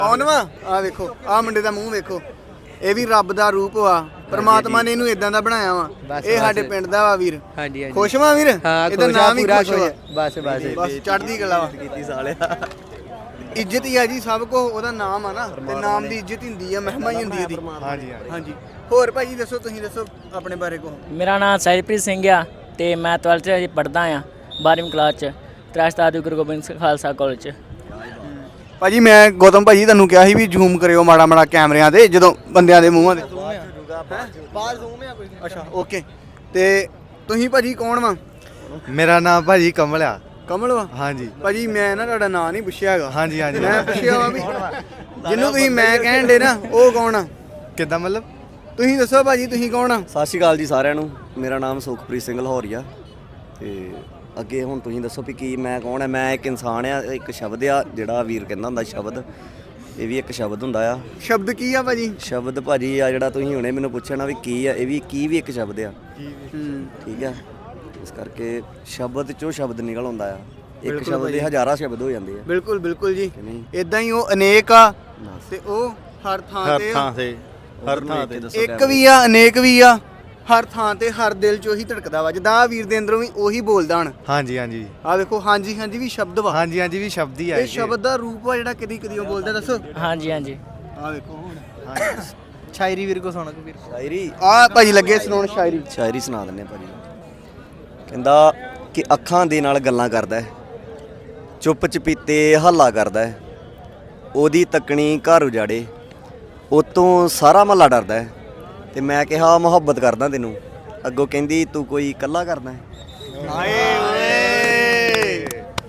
ਕੌਣ ਵਾ ਆ ਵੇਖੋ ਆ ਮੁੰਡੇ ਦਾ ਮੂੰਹ ਵੇਖੋ ਇਹ ਵੀ ਰੱਬ ਦਾ ਰੂਪ ਵਾ ਪਰਮਾਤਮਾ ਨੇ ਇਹਨੂੰ ਇਦਾਂ ਦਾ ਬਣਾਇਆ ਵਾ ਇਹ ਸਾਡੇ ਪਿੰਡ ਦਾ ਵਾ ਵੀਰ ਹਾਂਜੀ ਹਾਂਜੀ ਖੁਸ਼ ਵਾ ਵੀਰ ਇਹਦਾ ਨਾਮ ਹੀ ਖੁਸ਼ ਵਾ ਬਸ ਬਸ ਬਸ ਚੜ੍ਹਦੀ ਕਲਾ ਵਾ ਕੀਤੀ ਸਾਲਿਆ ਇੱਜ਼ਤ ਹੀ ਆ ਜੀ ਸਭ ਕੋ ਉਹਦਾ ਨਾਮ ਆ ਨਾ ਤੇ ਨਾਮ ਦੀ ਇੱਜ਼ਤ ਹੁੰਦੀ ਆ ਮਹਿਮਾ ਹੀ ਹੁੰਦੀ ਇਹਦੀ ਹਾਂਜੀ ਹਾਂਜੀ ਹੋਰ ਭਾਜੀ ਦੱਸੋ ਤੁਸੀਂ ਦੱਸੋ ਆਪਣੇ ਬਾਰੇ ਕੋ ਮੇਰਾ ਨਾਮ ਸਾਹਿਬਪ੍ਰੀਤ ਸਿੰਘ ਆ ਤੇ ਮੈਂ 12th 'ਚ ਪੜ੍ਹਦਾ ਆ 12ਵੀਂ ਕਲਾਸ 'ਚ ਤ੍ਰਿਸਤਾਰ ਗੁਰੂ ਗੋਬਿੰਦ ਸਿੰਘ ਖਾਲਸਾ ਕਾਲਜ 'ਚ ਭਾਜੀ ਮੈਂ ਗੌਤਮ ਭਾਜੀ ਤੁਹਾਨੂੰ ਕਿਹਾ ਸੀ ਵੀ ਜ਼ੂਮ ਕਰਿਓ ਮਾੜਾ ਮਾੜਾ ਕੈਮਰਿਆਂ ਤੇ ਜਦੋਂ ਬੰਦਿਆਂ ਦੇ ਮੂੰਹਾਂ ਦੇ ਬਾਹਰ ਜ਼ੂਮ ਆ ਕੋਈ ਅੱਛਾ ਓਕੇ ਤੇ ਤੁਸੀਂ ਭਾਜੀ ਕੌਣ ਵਾ ਮੇਰਾ ਨਾਮ ਭਾਜੀ ਕਮਲ ਆ ਕਮਲ ਵਾ ਹਾਂਜੀ ਭਾਜੀ ਮੈਂ ਨਾ ਤੁਹਾਡਾ ਨਾਂ ਨਹੀਂ ਪੁੱਛਿਆ ਹੈਗਾ ਹਾਂਜੀ ਹਾਂਜੀ ਮੈਂ ਪੁੱਛਿਆ ਵਾ ਵੀ ਜਿਹਨੂੰ ਤੁਸੀਂ ਮੈਂ ਕਹਿਣ ਦੇ ਨਾ ਉਹ ਕੌਣ ਆ ਕਿੱਦਾਂ ਮਤਲਬ ਤੁਸੀਂ ਦੱਸੋ ਭਾਜੀ ਤੁਸੀਂ ਕੌਣ ਆ ਸਤਿ ਸ਼੍ਰੀ ਅਕਾਲ ਜੀ ਸਾਰਿਆਂ ਨੂੰ ਮੇਰਾ ਨਾਮ ਸੁਖਪ੍ਰੀਤ ਸਿੰਘ ਲਾਹੌਰੀਆ ਤੇ ਅੱਗੇ ਹੁਣ ਤੁਸੀਂ ਦੱਸੋ ਵੀ ਕੀ ਮੈਂ ਕੌਣ ਆ ਮੈਂ ਇੱਕ ਇਨਸਾਨ ਆ ਇੱਕ ਸ਼ਬਦ ਆ ਜਿਹੜਾ ਵੀਰ ਕਹਿੰਦਾ ਹੁੰਦਾ ਸ਼ਬਦ ਇਹ ਵੀ ਇੱਕ ਸ਼ਬਦ ਹੁੰਦਾ ਆ ਸ਼ਬਦ ਕੀ ਆ ਭਾਜੀ ਸ਼ਬਦ ਭਾਜੀ ਆ ਜਿਹੜਾ ਤੁਸੀਂ ਹੁਣੇ ਮੈਨੂੰ ਪੁੱਛਿਆ ਨਾ ਵੀ ਕੀ ਆ ਇਹ ਵੀ ਕੀ ਵੀ ਇੱਕ ਸ਼ਬਦ ਆ ਠੀਕ ਆ ਇਸ ਕਰਕੇ ਸ਼ਬਦ ਚੋਂ ਸ਼ਬਦ ਨਿਕਲ ਆਉਂਦਾ ਆ ਇੱਕ ਸ਼ਬਦ ਦੇ ਹਜ਼ਾਰਾਂ ਸ਼ਬਦ ਹੋ ਜਾਂਦੇ ਆ ਬਿਲਕੁਲ ਬਿਲਕੁਲ ਜੀ ਕਿ ਨਹੀਂ ਇਦਾਂ ਹੀ ਉਹ ਅਨੇਕ ਆ ਤੇ ਉਹ ਹਰ ਥਾਂ ਤੇ ਆ। ਹਰ ਥਾਂ ਤੇ ਇੱਕ ਵੀ ਆ ਅਨੇਕ ਵੀ ਆ ਹਰ ਥਾਂ ਤੇ ਹਰ ਦਿਲ 'ਚ ਉਹੀ ਧੜਕਦਾ ਵਾ ਜਿੱਦਾਂ ਆ ਵੀਰ ਦੇ ਅੰਦਰੋਂ ਵੀ ਉਹੀ ਬੋਲਦਾ ਹਣ ਹਾਂਜੀ ਹਾਂਜੀ ਆ ਵੇਖੋ ਹਾਂਜੀ ਹਾਂਜੀ ਵੀ ਸ਼ਬਦ ਵਾ ਹਾਂਜੀ ਹਾਂਜੀ ਵੀ ਸ਼ਬਦ ਹੀ ਆ ਇਹ ਸ਼ਬਦ ਦਾ ਰੂਪ ਆ ਜਿਹੜਾ ਕਦੀ ਕਦੀ ਉਹ ਬੋਲਦਾ ਦੱਸੋ ਹਾਂਜੀ ਹਾਂਜੀ ਆ ਵੇਖੋ ਹੁਣ ਸ਼ਾਇਰੀ ਵੀਰ ਕੋ ਸੁਣ ਵੀਰ ਸ਼ਾਇਰੀ ਆ ਭਾਜੀ ਲੱਗੇ ਸੁਣਾਉਣ ਸ਼ਾਇਰੀ ਸ਼ਾਇਰੀ ਸੁਣਾ ਦਿੰਦੇ ਭਾਜੀ ਕਹਿੰਦਾ ਕਿ ਅੱਖਾਂ ਦੇ ਨਾਲ ਗੱਲਾਂ ਕਰਦਾ ਹੈ ਚੁੱਪ ਚਪੀਤੇ ਹੱਲਾ ਕਰਦਾ ਹੈ ਉਹਦੀ ਤੱਕਣੀ ਘਰ ਉਜਾੜੇ ਉਤੋਂ ਸਾਰਾ ਮਹੱਲਾ ਡਰਦਾ ਹੈ ਤੇ ਮੈਂ ਕਿਹਾ ਮੁਹੱਬਤ ਕਰਦਾ ਤੈਨੂੰ ਅੱਗੋਂ ਕਹਿੰਦੀ ਤੂੰ ਕੋਈ ਇਕੱਲਾ ਕਰਦਾ ਹੈ ਹਾਏ ਓਏ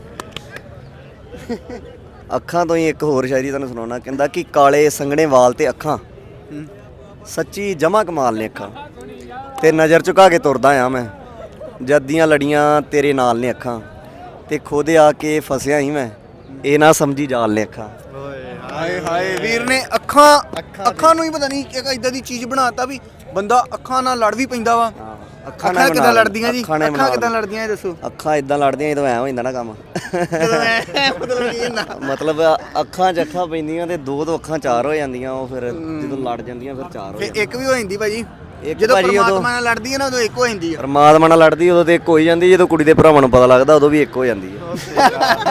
ਅੱਖਾਂ ਤੋਂ ਹੀ ਇੱਕ ਹੋਰ ਸ਼ਾਇਰੀ ਤੁਹਾਨੂੰ ਸੁਣਾਉਣਾ ਕਹਿੰਦਾ ਕਿ ਕਾਲੇ ਸੰਘਣੇ ਵਾਲ ਤੇ ਅੱਖਾਂ ਸੱਚੀ ਜਮਾ ਕਮਾਲ ਨੇ ਅੱਖਾਂ ਤੇ ਨਜ਼ਰ ਝੁਕਾ ਕੇ ਤੁਰਦਾ ਆ ਮੈਂ ਜਦ ਦੀਆਂ ਲੜੀਆਂ ਤੇਰੇ ਨਾਲ ਨੇ ਅੱਖਾਂ ਤੇ ਖੁਦ ਆ ਕੇ ਫਸਿਆ ਹੀ ਮੈਂ ਇਹ ਨਾ ਸਮਝੀ ਜਾਲ ਨੇ ਅੱਖਾਂ ਹਾਏ ਹਾਏ ਵੀਰ ਨੇ ਅੱਖਾਂ ਨੂੰ ਹੀ ਪਤਾ ਨਹੀਂ ਕਿ ਇਦਾਂ ਦੀ ਚੀਜ਼ ਬਣਾਤਾ ਵੀ ਬੰਦਾ ਅੱਖਾਂ ਨਾਲ ਲੜ ਵੀ ਪੈਂਦਾ ਵਾ ਅੱਖਾਂ ਕਿੱਦਾਂ ਲੜਦੀਆਂ ਜੀ ਅੱਖਾਂ ਕਿੱਦਾਂ ਲੜਦੀਆਂ ਇਹ ਦੱਸੋ ਅੱਖਾਂ ਇਦਾਂ ਲੜਦੀਆਂ ਜਦੋਂ ਐ ਹੋ ਜਾਂਦਾ ਨਾ ਕੰਮ ਮਤਲਬ ਕੀ ਹੁੰਦਾ ਮਤਲਬ ਅੱਖਾਂ 'ਚ ਅੱਖਾਂ ਪੈਂਦੀਆਂ ਤੇ ਦੋ ਤੋਂ ਅੱਖਾਂ ਚਾਰ ਹੋ ਜਾਂਦੀਆਂ ਉਹ ਫਿਰ ਜਦੋਂ ਲੜ ਜਾਂਦੀਆਂ ਫਿਰ ਚਾਰ ਹੋ ਫੇ ਜਾਂਦੀਆਂ ਇੱਕ ਵੀ ਹੋ ਜਾਂਦੀ ਭਾਜੀ ਇੱਕ ਜਦੋਂ ਭਾਜੀ ਉਦੋਂ ਪਰਮਾਤਮਾ ਨਾਲ ਲੜਦੀ ਹੈ ਨਾ ਉਦੋਂ ਇੱਕ ਹੋ ਜਾਂਦੀ ਆ ਪਰਮਾਤਮਾ ਨਾਲ ਲੜਦੀ ਉਦੋਂ ਤੇ ਇੱਕ ਹੋ ਹੀ ਜਾਂਦੀ ਜਦੋਂ ਕੁੜੀ ਦੇ ਭਰਾਵਾਂ ਨੂੰ ਪਤਾ ਲੱਗਦਾ ਉਦੋਂ ਵੀ ਇੱਕ ਹੋ ਜਾਂਦੀ ਹੈ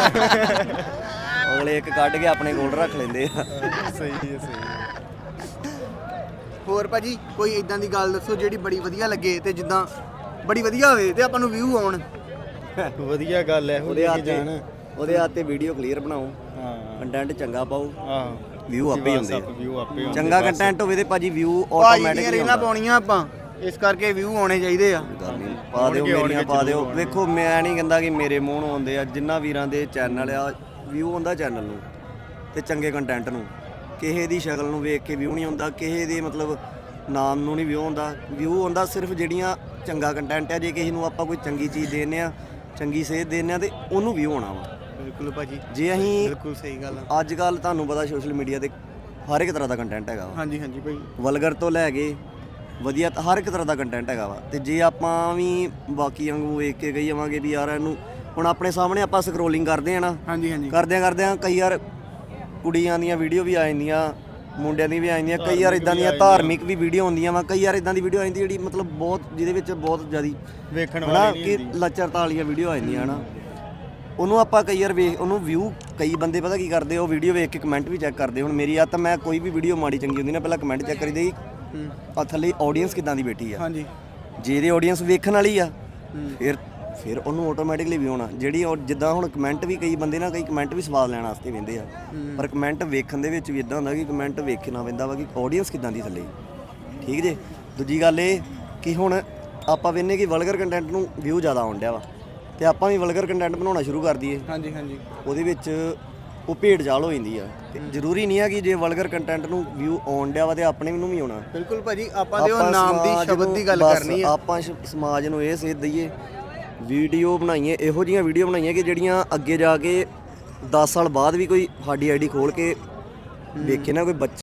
ਅਗਲੇ ਇੱਕ ਕੱਢ ਕੇ ਆਪਣੇ ਕੋਲ ਰੱਖ ਲੈਂਦੇ ਆ ਸਹੀ ਹੈ ਸਹੀ ਹੋਰ ਭਾਜੀ ਕੋਈ ਇਦਾਂ ਦੀ ਗੱਲ ਦੱਸੋ ਜਿਹੜੀ ਬੜੀ ਵਧੀਆ ਲੱਗੇ ਤੇ ਜਿੱਦਾਂ ਬੜੀ ਵਧੀਆ ਹੋਵੇ ਤੇ ਆਪਾਂ ਨੂੰ ਵਿਊ ਆਉਣ ਵਧੀਆ ਗੱਲ ਹੈ ਉਹਦੇ ਹੱਥ ਤੇ ਵੀਡੀਓ ਕਲੀਅਰ ਬਣਾਓ ਹਾਂ ਕੰਟੈਂਟ ਚੰਗਾ ਪਾਓ ਹਾਂ ਵਿਊ ਆਪੇ ਹੀ ਹੁੰਦੇ ਵਿਊ ਆਪੇ ਆ ਚੰਗਾ ਕੰਟੈਂਟ ਹੋਵੇ ਤੇ ਭਾਜੀ ਵਿਊ ਭਾਜੀ ਦੀਆਂ ਆਟੋਮੈਟਿਕਲੀ ਰੀਲਾਂ ਪਾਉਣੀਆਂ ਆਪਾਂ ਇਸ ਕਰਕੇ ਵਿਊ ਆਉਣੇ ਚਾਹੀਦੇ ਆ ਪਾ ਦਿਓ ਮੇਰੀਆਂ ਪਾ ਦਿਓ ਵੇਖੋ ਮੈਂ ਨਹੀਂ ਕਹਿੰਦਾ ਕਿ ਮੇਰੇ ਮੂੰਹ ਨੂੰ ਆਉਂਦੇ ਆ ਜਿੰਨਾ ਵੀਰਾਂ ਦੇ ਚੈਨਲ ਆ ਵਿਊ ਆਉਂਦਾ ਚੈਨਲ ਨੂੰ ਤੇ ਚੰਗੇ ਕੰਟੈਂਟ ਨੂੰ ਕਿਸੇ ਦੀ ਸ਼ਕਲ ਨੂੰ ਵੇਖ ਕੇ ਵਿਊ ਨਹੀਂ ਆਉਂਦਾ ਕਿਸੇ ਦੇ ਮਤਲਬ ਨਾਮ ਨੂੰ ਨਹੀਂ ਵਿਊ ਆਉਂਦਾ ਸਿਰਫ ਜਿਹੜੀਆਂ ਚੰਗਾ ਕੰਟੈਂਟ ਆ ਜੇ ਕਿਸੇ ਨੂੰ ਆਪਾਂ ਕੋਈ ਚੰਗੀ ਚੀਜ਼ ਦੇਨੇ ਆ ਚੰਗੀ ਸੇਧ ਦੇਨੇ ਆ ਤੇ ਉਹਨੂੰ ਵਿਊ ਆਉਣਾ ਵਾ ਬਿਲਕੁਲ ਭਾਜੀ ਜੇ ਅਸੀਂ ਬਿਲਕੁਲ ਸਹੀ ਗੱਲ ਆ ਅੱਜ ਕੱਲ ਤੁਹਾਨੂੰ ਪਤਾ ਸੋਸ਼ਲ ਮੀਡੀਆ ਤੇ ਹਰ ਇੱਕ ਤਰ੍ਹਾਂ ਦਾ ਕੰਟੈਂਟ ਹੈਗਾ ਵਾ ਹਾਂਜੀ ਹਾਂਜੀ ਭਾਈ ਵਲਗਰ ਤੋਂ ਲੈ ਕੇ ਵਧੀਆ ਹਰ ਇੱਕ ਤਰ੍ਹਾਂ ਦਾ ਕੰਟੈਂਟ ਹੈਗਾ ਵਾ ਤੇ ਜੇ ਆਪਾਂ ਵੀ ਬਾਕੀ ਵਾਂਗੂ ਵੇਖ ਕੇ ਗਈ ਜਾਵਾਂਗੇ ਵੀ ਯਾਰ ਇਹਨੂੰ ਹੁਣ ਆਪਣੇ ਸਾਹਮਣੇ ਆਪਾਂ ਸਕਰੋਲਿੰਗ ਕਰਦੇ ਆ ਨਾ ਹਾਂਜੀ ਹਾਂਜੀ ਕਰਦਿਆਂ ਕਈ ਵਾਰ ਕੁੜੀਆਂ ਦੀਆਂ ਵੀਡੀਓ ਵੀ ਆ ਜਾਂਦੀਆਂ ਮੁੰਡਿਆਂ ਦੀ ਵੀ ਆ ਜਾਂਦੀਆਂ ਕਈ ਵਾਰ ਇਦਾਂ ਦੀਆਂ ਧਾਰਮਿਕ ਵੀ ਵੀਡੀਓ ਹੁੰਦੀਆਂ ਵਾ ਕਈ ਵਾਰ ਇਦਾਂ ਦੀ ਵੀਡੀਓ ਆ ਜਾਂਦੀ ਜਿਹੜੀ ਮਤਲਬ ਬਹੁਤ ਜਿਹਦੇ ਵਿੱਚ ਬਹੁਤ ਜ਼ਿਆਦੀ ਵੇਖਣ ਹਨਾ ਵਾਲੀ ਕਿ ਲੱਚਰਤਾ ਵਾਲੀਆਂ ਵੀਡੀਓ ਆ ਜਾਂਦੀਆਂ ਹਨਾ ਉਹਨੂੰ ਆਪਾਂ ਕਈ ਵਾਰ ਵੇਖ ਉਹਨੂੰ ਵਿਊ ਕਈ ਬੰਦੇ ਪਤਾ ਕੀ ਕਰਦੇ ਉਹ ਵੀਡੀਓ ਵੇਖ ਕੇ ਕਮੈਂਟ ਵੀ ਚੈੱਕ ਕਰਦੇ ਹੁਣ ਮੇਰੀ ਆ ਤਾਂ ਮੈਂ ਕੋਈ ਵੀ ਵੀਡੀਓ ਮਾੜੀ ਚੰਗੀ ਹੁੰਦੀ ਨਾ ਪਹਿਲਾਂ ਕਮੈਂਟ ਚੈੱਕ ਕਰੀਦੇ ਆ ਥੱਲੇ ਆਡੀਅנס ਕਿਦਾਂ ਦੀ ਬੈਠੀ ਆ ਹਾਂਜੀ ਜੇ ਇਹਦੇ ਆਡੀਅנס ਵੇਖਣ ਵਾਲੀ ਆ ਫਿਰ ਉਹਨੂੰ ਆਟੋਮੈਟਿਕਲੀ ਵੀ ਆਉਣਾ ਜਿਹੜੀ ਜਿੱਦਾਂ ਹੁਣ ਕਮੈਂਟ ਵੀ ਕਈ ਬੰਦੇ ਨਾ ਕਈ ਕਮੈਂਟ ਵੀ ਸਵਾਦ ਲੈਣ ਵਾਸਤੇ ਵਹਿੰਦੇ ਆ ਪਰ ਕਮੈਂਟ ਵੇਖਣ ਦੇ ਵਿੱਚ ਵੀ ਇਦਾਂ ਹੁੰਦਾ ਕਿ ਕਮੈਂਟ ਵੇਖਣਾ ਪੈਂਦਾ ਵਾ ਕਿ ਆਡੀਅנס ਕਿਦਾਂ ਦੀ ਥੱਲੇ ਠੀਕ ਜੇ ਦੂਜੀ ਗੱਲ ਇਹ ਕਿ ਹੁਣ ਆਪਾਂ ਵੇਖਨੇ ਕਿ ਵਲਗਰ ਕੰਟੈਂਟ ਨੂੰ ਵਿਊ ਜ਼ਿਆਦਾ ਆਉਣ ਡਿਆ ਵਾ ਤੇ ਆਪਾਂ ਵੀ ਵਲਗਰ ਕੰਟੈਂਟ ਬਣਾਉਣਾ ਸ਼ੁਰੂ ਕਰ ਦਈਏ ਹਾਂਜੀ ਹਾਂਜੀ ਉਹਦੇ ਵਿੱਚ ਉਹ ਭੇਡ ਜਾਲ ਹੋ ਜਾਂਦੀ ਆ ਤੇ ਜ਼ਰੂਰੀ ਨਹੀਂ ਆ ਕਿ ਜੇ ਵਲਗਰ ਕੰਟੈਂਟ ਨੂੰ ਵਿਊ ਆਉਣ ਡਿਆ ਵਾ ਤੇ ਆਪਣੇ ਨੂੰ ਵੀ ਆਉਣਾ ਬਿਲਕੁਲ ਭਾਜੀ ਆਪਾਂ ਦੇ ਉਹ ਨਾਮ ਦੀ ਸ਼ਬਦ ਦੀ ਗੱਲ ਕਰਨੀ ਆ ਆਪਾਂ ਸਮਾਜ ਨੂੰ ਇਹ ਸੇਧ ਦਈਏ ਵੀਡੀਓ ਬਣਾਈਏ ਇਹੋ ਜਿਹੀਆਂ ਵੀਡੀਓ ਬਣਾਈਏ ਕਿ ਜਿਹੜੀਆਂ ਅੱਗੇ ਜਾ ਕੇ 10 ਸਾਲ ਬਾਅਦ ਵੀ ਕੋਈ ਸਾਡੀ ਆਈਡੀ ਖੋਲ ਕੇ ਵੇਖੇ ਨਾ ਕੋਈ ਬੱਚਾ